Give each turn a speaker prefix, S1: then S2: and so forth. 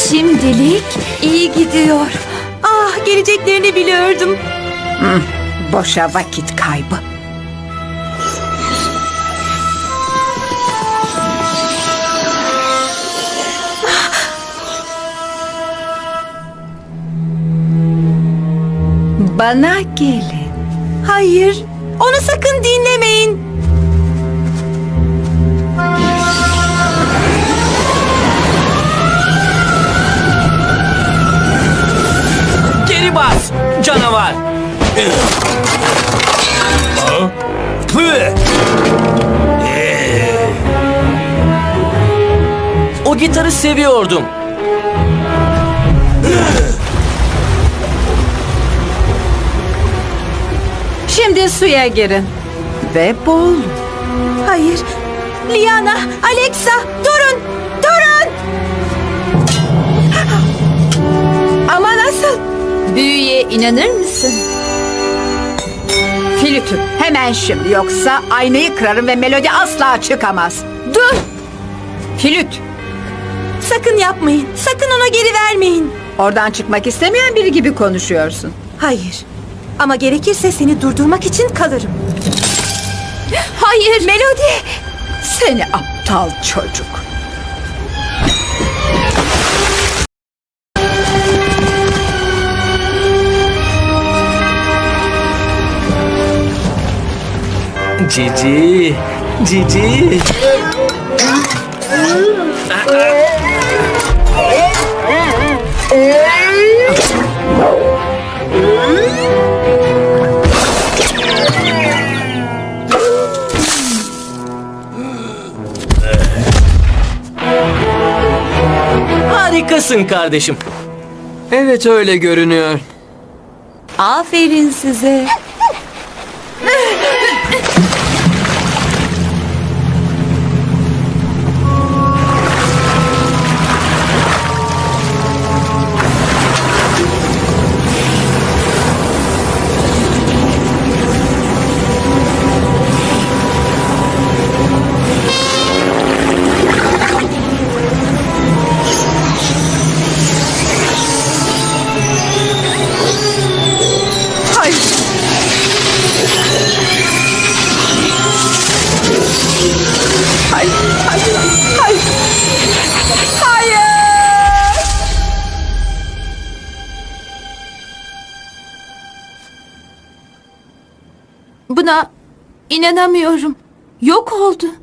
S1: Şimdilik iyi gidiyor. Ah, geleceklerini biliyordum.
S2: Boşa vakit kaybı. Bana gelin.
S1: Hayır, onu sakın dinlemeyin.
S3: Geri bas canavar. O gitarı seviyordum.
S2: Şimdi suya girin. Ve boğulun.
S1: Hayır. Liana, Alexa, durun! Durun! Ama nasıl? Büyüye inanır mısın?
S2: Flütü hemen şimdi, yoksa aynayı kırarım ve melodi asla çıkamaz.
S1: Dur!
S2: Flüt,
S1: Sakın yapmayın. Sakın ona geri vermeyin.
S2: oradan çıkmak istemeyen biri gibi konuşuyorsun.
S1: Hayır. Ama gerekirse seni durdurmak için kalırım. Hayır. Melodi!
S2: Seni aptal çocuk.
S3: Cici. Cici. Harikasın kardeşim. Evet, öyle görünüyor.
S1: Aferin size.
S2: Hayır. Hayır, hayır, hayır. Hayır.
S1: Buna inanamıyorum. Yok oldu.